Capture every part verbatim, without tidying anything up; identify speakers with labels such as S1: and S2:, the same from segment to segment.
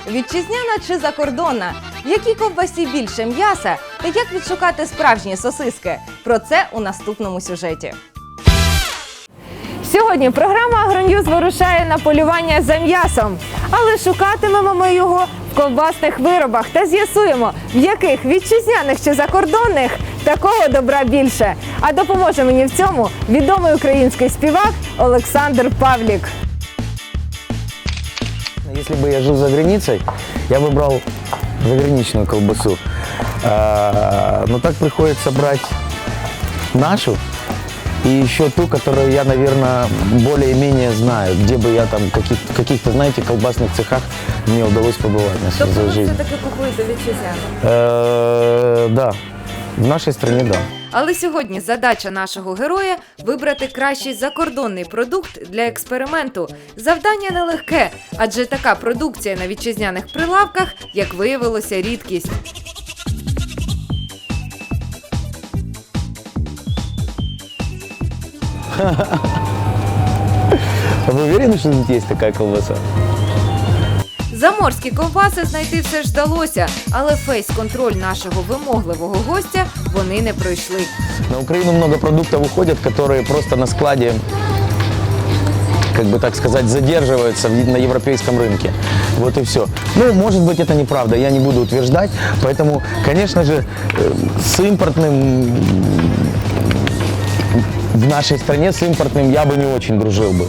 S1: Вітчизняна чи закордонна? В якій ковбасі більше м'яса? Та як відшукати справжні сосиски? Про це у наступному сюжеті. Сьогодні програма «Агроньюз» вирушає на полювання за м'ясом. Але шукатимемо ми його в ковбасних виробах та з'ясуємо, в яких вітчизняних чи закордонних такого добра більше. А допоможе мені в цьому відомий український співак Олександр Павлік.
S2: Если бы я жил за границей, я бы брал заграничную колбасу. Но так приходится брать нашу и еще ту, которую я, наверное, более-менее знаю, где бы я там в каких-то, знаете, колбасных цехах мне удалось побывать на
S1: Тобто
S2: свою
S1: ви
S2: жизнь.
S1: все-таки купуєте вітчизняну?
S2: Э, Да, в нашей стране, да.
S1: Але сьогодні задача нашого героя – вибрати кращий закордонний продукт для експерименту. Завдання нелегке, адже така продукція на вітчизняних прилавках, як виявилося, рідкість.
S2: Вы уверены, что тут есть такая колбаса?
S1: Заморські ковбаси знайти все ж вдалося, але фейс-контроль нашого вимогливого гостя вони не пройшли.
S2: На Украину много продуктов уходят, которые просто на складе, как бы так сказать, задерживаются на европейском рынке. Вот и все. Ну, может быть, это неправда, я не буду утверждать. Поэтому, конечно же, с импортным, в нашей стране с импортным я бы не очень дружил бы.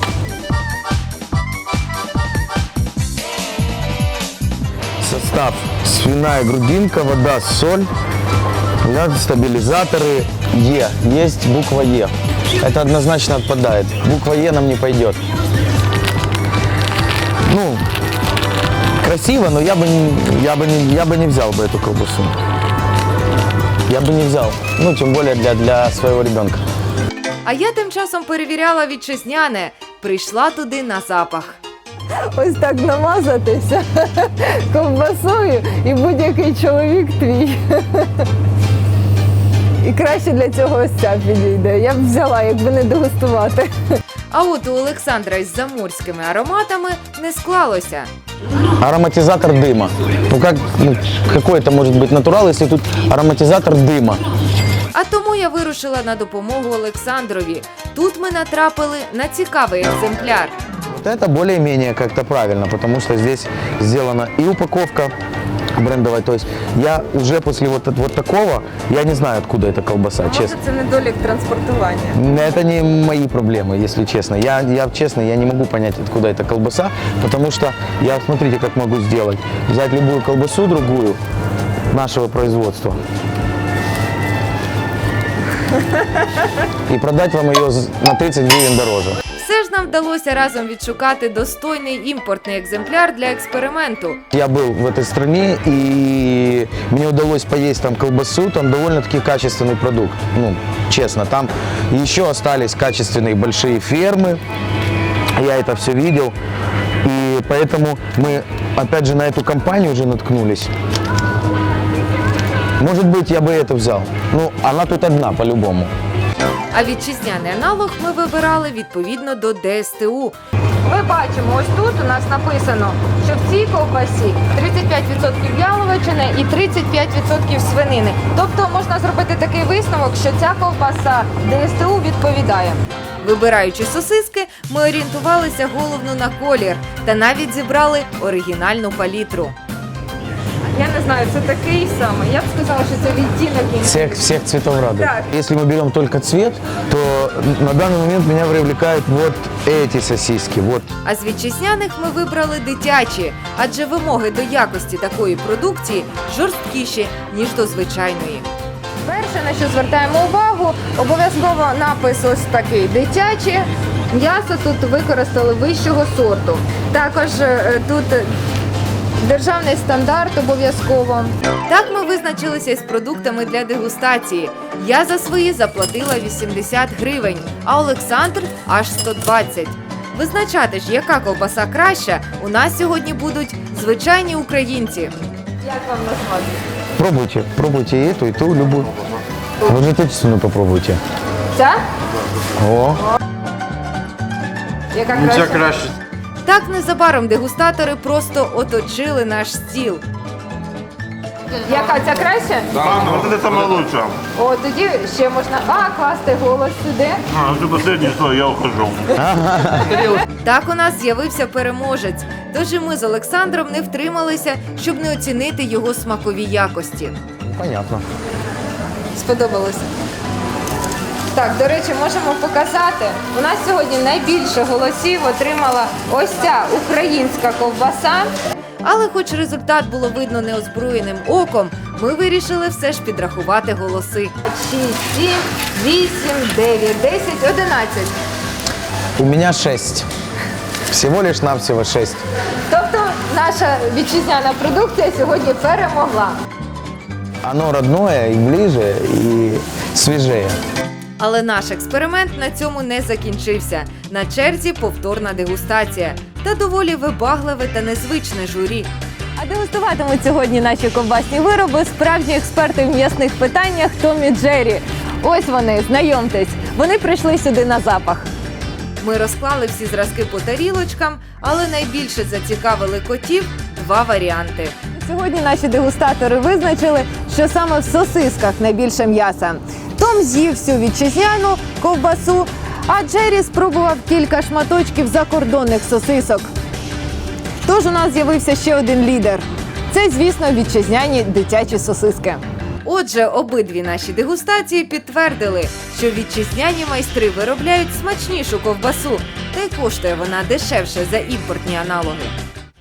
S2: Состав: свиная грудинка, вода, соль, стабилизаторы, Е. Есть буква Е. Это однозначно отпадает. Буква Е нам не пойдет. Ну, красиво, но я бы не, я бы не, я бы не взял бы эту колбасу. Я бы не взял. Ну, тем более для, для своего ребенка.
S1: А я тим часом перевіряла вітчизняне. Прийшла туди на запах. Ось так намазатися ковбасою і будь-який чоловік твій. І краще для цього ось ця підійде. Я б взяла, якби не дегустувати. А от у Олександра із заморськими ароматами не склалося.
S2: Ароматизатор дыма. Ну, как, ну, какой это может быть натурал, если тут ароматизатор дыма?
S1: А тому я вирушила на допомогу Олександрові. Тут ми натрапили на цікавий екземпляр.
S2: Вот это более-менее как-то правильно, потому что здесь сделана и упаковка брендовая. То есть я уже после вот, вот такого, я не знаю, откуда эта колбаса, честно.
S1: Це недолік транспортування.
S2: Это не мои проблемы, если честно. Я, я честно, я не могу понять, откуда эта колбаса, потому что я, смотрите, как могу сделать. Взять любую колбасу другую нашего производства и продать вам ее на тридцать гривен дороже.
S1: Все ж нам вдалося разом відшукати достойний імпортний екземпляр для експерименту.
S2: Я был в этой стране, и мне удалось поесть там колбасу, там довольно-таки качественный продукт, ну, честно. Там еще остались качественные большие фермы, я это все видел, и поэтому мы, опять же, на эту компанию уже наткнулись. Может быть, я бы это взял. Ну, она тут одна, по-любому.
S1: А вітчизняний аналог ми вибирали відповідно до Д С Т У. Ми бачимо, ось тут у нас написано, що в цій ковбасі тридцять п'ять відсотків яловичини і тридцять п'ять відсотків свинини. Тобто можна зробити такий висновок, що ця ковбаса Д С Т У відповідає. Вибираючи сосиски, ми орієнтувалися головно на колір та навіть зібрали оригінальну палітру. Я не знаю, це такий самий. Я б сказала, що це відтінок.
S2: Всех, всех цветов радуг.
S1: Так.
S2: Если мы берем только цвет, то на данный момент меня привлекают вот эти сосиски. Вот.
S1: А з вітчизняних ми вибрали дитячі, адже вимоги до якості такої продукції жорсткіші, ніж до звичайної. Перше, на що звертаємо увагу, обов'язково напис ось такий – дитячі. М'ясо тут використали вищого сорту. Також е, тут державний стандарт обов'язково. Так ми визначилися із продуктами для дегустації. Я за свої заплатила вісімдесят гривень, а Олександр – аж сто двадцять. Визначати ж, яка ковбаса краща, у нас сьогодні будуть звичайні українці. Як вам назвати?
S2: Пробуйте, пробуйте и эту, и ту, любую. Вы же отечественную попробуйте.
S1: Ця?
S2: О,
S1: Яка
S3: Ну,
S1: краща?
S3: це краще.
S1: Так незабаром дегустатори просто оточили наш стіл. Яка ця краще?
S3: Да, вот это самое лучшее.
S1: О, тоді ще можна а, класти голос сюди.
S3: А, это последнее, что я ухожу.
S1: Так у нас з'явився переможець. Тож і ми з Олександром не втрималися, щоб не оцінити його смакові якості.
S2: Понятно.
S1: Сподобалося? Так, до речі, можемо показати. У нас сьогодні найбільше голосів отримала ось ця українська ковбаса. Але хоч результат було видно неозброєним оком, ми вирішили все ж підрахувати голоси. шість, сім, вісім, дев'ять, десять, одинадцять.
S2: У меня шесть. Всего лишь навсего шесть.
S1: Тобто наша вітчизняна продукція сьогодні перемогла.
S2: Оно родное и ближе, и свежее.
S1: Але наш експеримент на цьому не закінчився. На черзі повторна дегустація та доволі вибагливе та незвичне журі.
S4: А дегустуватимуть сьогодні наші ковбасні вироби справжні експерти в м'ясних питаннях Том і Джері. Ось вони, знайомтесь. Вони прийшли сюди на запах.
S1: Ми розклали всі зразки по тарілочкам, але найбільше зацікавили котів два варіанти.
S4: Сьогодні наші дегустатори визначили, що саме в сосисках найбільше м'яса. Том з'їв всю вітчизняну ковбасу, а Джері спробував кілька шматочків закордонних сосисок. Тож у нас з'явився ще один лідер. Це, звісно, вітчизняні дитячі сосиски.
S1: Отже, обидві наші дегустації підтвердили, що вітчизняні майстри виробляють смачнішу ковбасу, та й коштує вона дешевше за імпортні аналоги.